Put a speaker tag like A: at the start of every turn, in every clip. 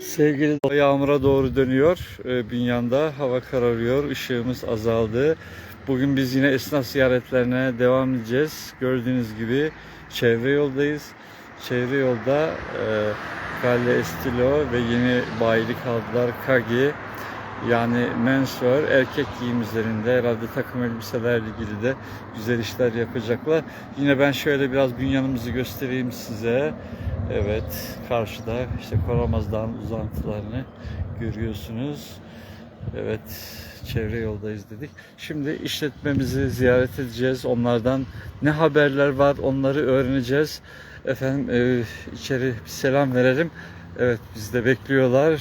A: Sevgili yağmura doğru dönüyor. Bünyan'da hava kararıyor. Işığımız azaldı. Bugün biz yine esnaf ziyaretlerine devam edeceğiz. Gördüğünüz gibi çevre yoldayız. Çevre yolda Calle Estilo ve yeni bayilik aldılar. Kagi, yani menswear, erkek giyim üzerinde herhalde takım elbiselerle ilgili de güzel işler yapacaklar. Yine ben şöyle biraz Bünyan'ımızı göstereyim size. Evet, karşıda işte Koramaz Dağı'nın uzantılarını görüyorsunuz. Evet, çevre yoldayız dedik. Şimdi işletmemizi ziyaret edeceğiz. Onlardan ne haberler var onları öğreneceğiz. Efendim içeri bir selam verelim. Evet, bizi de bekliyorlar.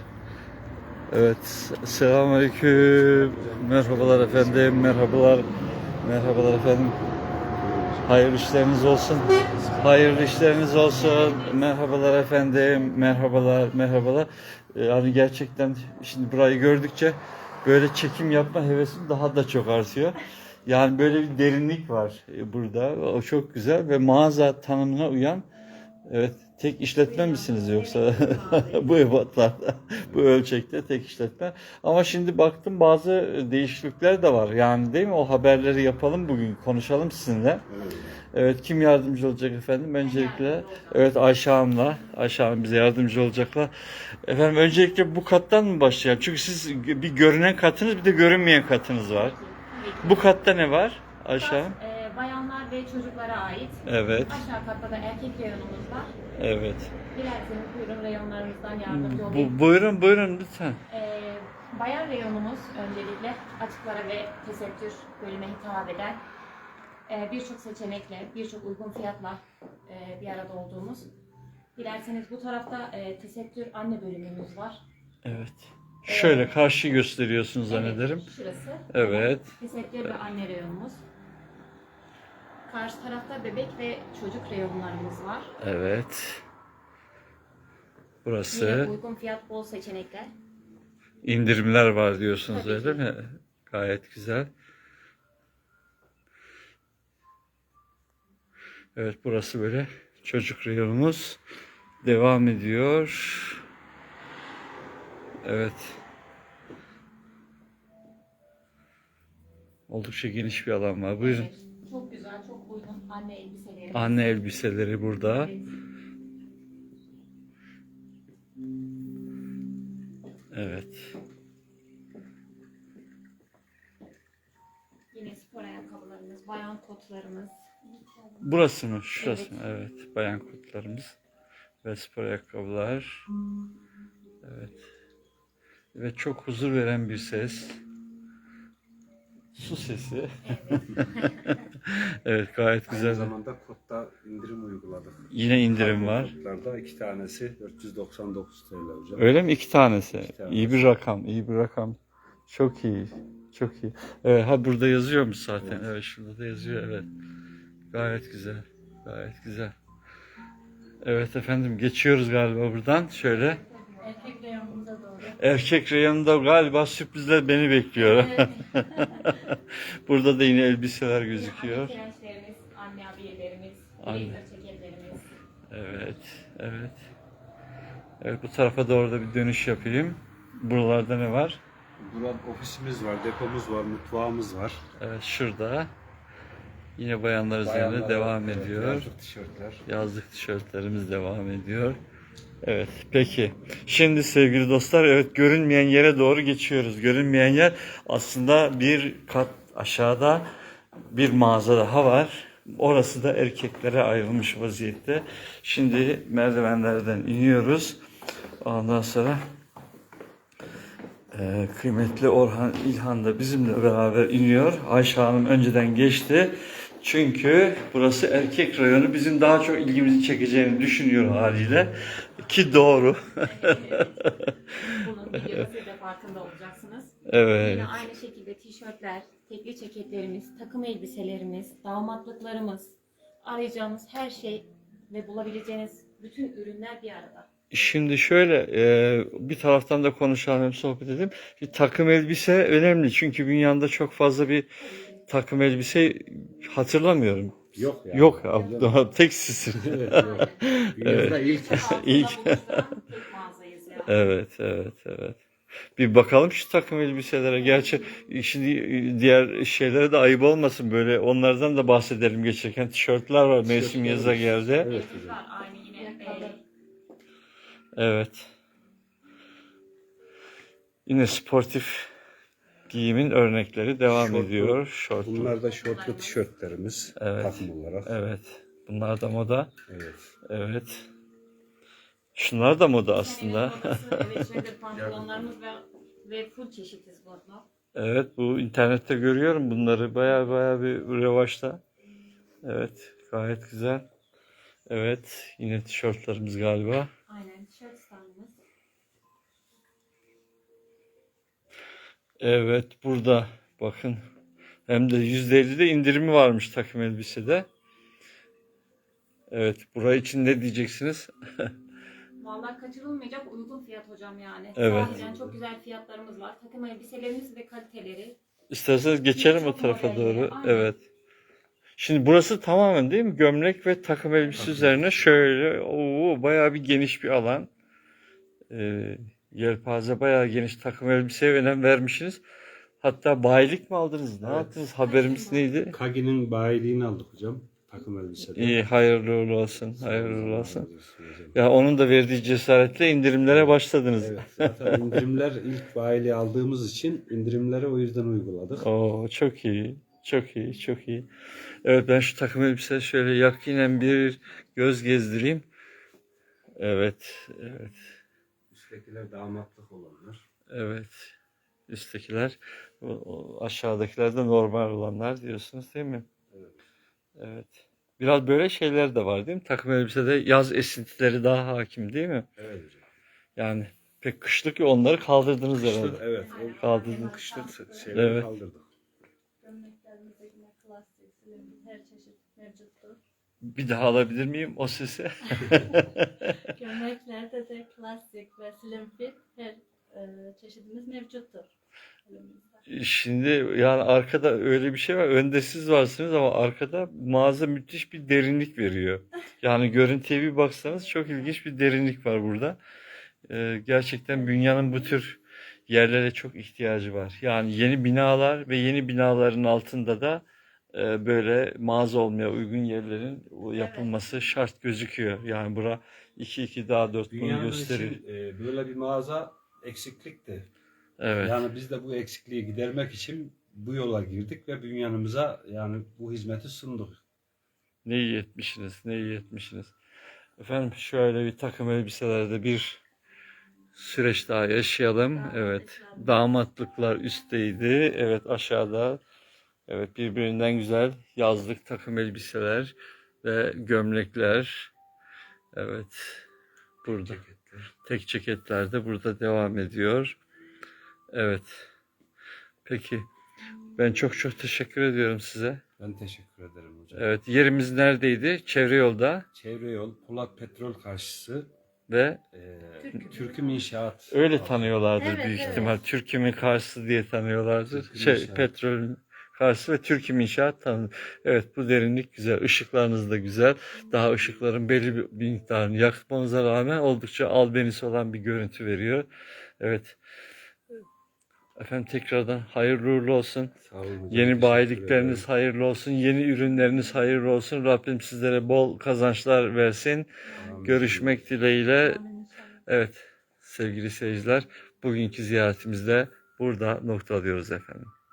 A: Evet, selamünaleyküm. Merhabalar efendim, merhabalar. Merhabalar efendim. Hayırlı işleriniz olsun. Hayırlı işleriniz olsun. Merhabalar efendim. Merhabalar, merhabalar. Yani gerçekten şimdi burayı gördükçe böyle çekim yapma hevesim daha da çok artıyor. Yani böyle bir derinlik var burada. O çok güzel ve mağaza tanımına uyan. Evet, tek işletme misiniz yoksa bu ebatlarda, bu ölçekte tek işletme? Ama şimdi baktım bazı değişiklikler de var. Yani değil mi? O haberleri yapalım bugün, konuşalım sizinle. Evet, kim yardımcı olacak efendim? Öncelikle, evet Ayşe Hanım'la, Ayşe Hanım bize yardımcı olacaklar. Efendim öncelikle bu kattan mı başlayalım? Çünkü siz bir görünen katınız, bir de görünmeyen katınız var. Bu katta ne var Ayşe Hanım?
B: Bayanlar ve çocuklara ait.
A: Evet.
B: Aşağı katta da erkek reyonumuz var.
A: Evet.
B: Dilerseniz buyurun reyonlarımızdan yardımcı olayım.
A: Buyurun, buyurun lütfen.
B: Bayan reyonumuz öncelikle açıklara ve tesettür bölüme hitap eden birçok seçenekle, birçok uygun fiyatla bir arada olduğumuz. Dilerseniz bu tarafta tesettür anne bölümümüz var.
A: Evet. Şöyle karşı gösteriyorsunuz zannederim.
B: Evet, şurası.
A: Evet.
B: Tesettür ve anne reyonumuz. Karşı tarafta bebek ve çocuk reyonlarımız var.
A: Evet. Burası.
B: Yine uygun fiyat, bol seçenekler.
A: İndirimler var diyorsunuz
B: Tabii
A: öyle
B: ki.
A: mi? Gayet güzel. Evet, burası böyle çocuk reyonumuz devam ediyor. Evet. Oldukça geniş bir alan var. Buyurun.
B: Evet, çok güzel, çok uygun anne elbiseleri.
A: Anne elbiseleri burada.
B: Evet.
A: Evet.
B: Yine spor ayakkabılarımız, bayan kotlarımız.
A: Burası mı? Şurası mı?
B: Evet.
A: Evet. Bayan kutlarımız ve spor ayakkabılar. Evet. Ve çok huzur veren bir ses. Su sesi. Evet, gayet güzel.
C: Aynı zamanda kodda indirim uyguladık.
A: Yine indirim var.
C: Kodlarda 2 tanesi 499 TL hocam.
A: Öyle mi? İki tanesi.
C: İki tanesi.
A: İyi bir rakam. İyi bir rakam. Çok iyi. Çok iyi. Evet, ha burada yazıyormuş zaten. Evet, şurada da yazıyor. Evet. Gayet güzel. Gayet güzel. Evet efendim, geçiyoruz galiba buradan. Şöyle.
B: Erkek reyonumuza doğru.
A: Erkek reyonunda galiba sürprizler beni bekliyor.
B: Evet.
A: Burada da yine elbiseler gözüküyor.
B: Anne trençlerimiz, anne abiyelerimiz, blazer ceketlerimiz.
A: Evet, evet. Evet, bu tarafa doğru da bir dönüş yapayım. Buralarda ne var?
C: Burada ofisimiz var, depomuz var, mutfağımız var.
A: Evet, şurada. Yine bayanlar üzerinde
C: Bayanlar
A: devam
C: var, evet,
A: ediyor.
C: yazlık tişörtler.
A: Yazlık tişörtlerimiz devam ediyor. Evet, peki. Şimdi sevgili dostlar, evet, görünmeyen yere doğru geçiyoruz. Görünmeyen yer aslında bir kat aşağıda bir mağaza daha var. Orası da erkeklere ayrılmış vaziyette. Şimdi merdivenlerden iniyoruz. Ondan sonra kıymetli Orhan İlhan da bizimle beraber iniyor. Ayşe Hanım önceden geçti. Çünkü burası erkek rayonu, bizim daha çok ilgimizi çekeceğini düşünüyor haliyle. Ki doğru.
B: Bunun videoda siz de farkında olacaksınız.
A: Evet.
B: Yine aynı şekilde tişörtler, tekli ceketlerimiz, takım elbiselerimiz, damatlıklarımız, arayacağınız her şey ve bulabileceğiniz bütün ürünler bir arada.
A: Şimdi şöyle bir taraftan da konuşalım, hem sohbet edelim. Bir takım elbise önemli, çünkü dünyada çok fazla bir takım elbise hatırlamıyorum.
C: Yok ya.
A: Yok ya, tek sizsiniz.
C: Evet, yok. Dünyada ilk.
A: İlk.
B: İlk. Tek mağazayız yani.
A: Evet, evet, evet. Bir bakalım şu takım elbiselere. Gerçi şimdi diğer şeylere de ayıp olmasın, böyle onlardan da bahsedelim geçerken. Tişörtler var. Mevsim yaza geldi.
C: Evet
B: Elimiz
C: hocam.
B: var aynı yine.
A: Evet. Yine sportif giyimin örnekleri devam
C: Şortlu-
A: ediyor. Şortlu.
C: Bunlar da şortlu tişörtlerimiz
A: Evet.
C: takım olarak.
A: Evet. Bunlar da moda.
C: Evet.
A: Evet. Şunlar da moda aslında.
B: Evet, şöyle pantolonlarımız ve full çeşitiz burada.
A: Evet, bu internette görüyorum bunları. Baya baya bir revaçta. Evet, gayet güzel. Evet, yine tişörtlerimiz galiba.
B: Aynen, tişört standımız.
A: Evet, burada bakın. Hem de %50'de indirimi varmış takım elbisede. Evet, burayı için ne diyeceksiniz?
B: Vallahi kaçırılmayacak uygun fiyat hocam yani.
A: Evet.
B: Sahiden çok güzel fiyatlarımız var. Takım elbiselerimiz ve kaliteleri.
A: İsterseniz geçelim o
B: Çok
A: tarafa
B: modelleri,
A: doğru.
B: aynen.
A: Evet. Şimdi burası tamamen değil mi? Gömlek ve takım elbise üzerine şöyle bayağı bir geniş bir alan. Yelpaze bayağı geniş, takım elbiseye önem vermişsiniz. Hatta bayilik mi aldınız? Ne
C: Evet.
A: yaptınız? Haberimiz neydi?
C: Kagi'nin bayiliğini aldık hocam. Takım elbisede.
A: İyi, hayırlı uğurlu olsun.
C: Sağ olun,
A: Hayırlı uğurlu
C: Allah
A: olsun.
C: razı olsun hocam.
A: Ya onun da verdiği cesaretle indirimlere başladınız.
C: Evet, zaten indirimler ilk bayiliği aldığımız için indirimleri o yüzden uyguladık.
A: Oo, çok iyi. Çok iyi, çok iyi. Evet, ben şu takım elbise şöyle yakinen bir göz gezdireyim. Evet, evet,
C: Üsttekiler damatlık olanlar.
A: evet. Üsttekiler, aşağıdakiler de normal olanlar diyorsunuz değil mi?
C: Evet.
A: Evet. Biraz böyle şeyler de var değil mi? Takım elbisede yaz esintileri daha hakim değil mi?
C: Evet hocam.
A: Yani pek kışlık ya, onları kaldırdınız
C: Kışlık,
A: herhalde.
C: evet. O
A: Kaldırdınız.
C: kışlık şeyleri
A: Evet.
C: kaldırdık.
D: Gömleklerimizde yine klasik, slim, her çeşit mevcuttur.
A: Bir daha alabilir miyim o sesi?
D: Gömleklerde de klasik ve slim fit her çeşidimiz mevcuttur. Elimizde.
A: Şimdi yani arkada öyle bir şey var. Önde siz varsınız ama arkada mağaza müthiş bir derinlik veriyor. Yani görüntüye bir baksanız çok ilginç bir derinlik var burada. Gerçekten dünyanın bu tür yerlere çok ihtiyacı var. Yani yeni binalar ve yeni binaların altında da böyle mağaza olmaya uygun yerlerin yapılması şart gözüküyor. Yani bura 2 daha 4 bunu
C: Dünyanın
A: gösteriyor.
C: için böyle bir mağaza eksiklikti.
A: Evet.
C: Yani biz de bu eksikliği gidermek için bu yola girdik ve dünyanımıza yani bu hizmeti sunduk.
A: Ne iyi etmişsiniz, ne iyi etmişsiniz. Efendim şöyle bir takım elbiselerde bir süreç daha yaşayalım. Evet, damatlıklar üstteydi. Evet, aşağıda. Evet, birbirinden güzel yazlık takım elbiseler ve gömlekler. Evet, burada.
C: Ceketler.
A: Tek ceketler de burada devam ediyor. Evet. Peki. Ben çok çok teşekkür ediyorum size.
C: Ben teşekkür ederim hocam.
A: Evet, yerimiz neredeydi? Çevre yolda
C: Çevre yol, Polat Petrol karşısı,
A: ve
C: Türküm İnşaat.
A: öyle tanıyorlardır
D: Evet,
A: büyük
D: evet.
A: ihtimal. Türküm'ün karşısı diye tanıyorlardır.
C: Türküm İnşaat.
A: Petrolün karşısı ve Türküm İnşaat tanınır. Evet, bu derinlik güzel. Işıklarınız da güzel. Daha ışıkların belli bir miktarını yakmanıza rağmen oldukça albenisi olan bir görüntü veriyor. Evet. Efendim tekrardan hayırlı uğurlu olsun.
C: Sağ olun hocam,
A: Yeni
C: teşekkür
A: bayilikleriniz
C: ederim.
A: hayırlı olsun. Yeni ürünleriniz hayırlı olsun. Rabbim sizlere bol kazançlar versin.
C: Amin.
A: Görüşmek dileğiyle.
D: Amin inşallah.
A: Evet sevgili seyirciler, bugünkü ziyaretimizde burada noktalıyoruz efendim.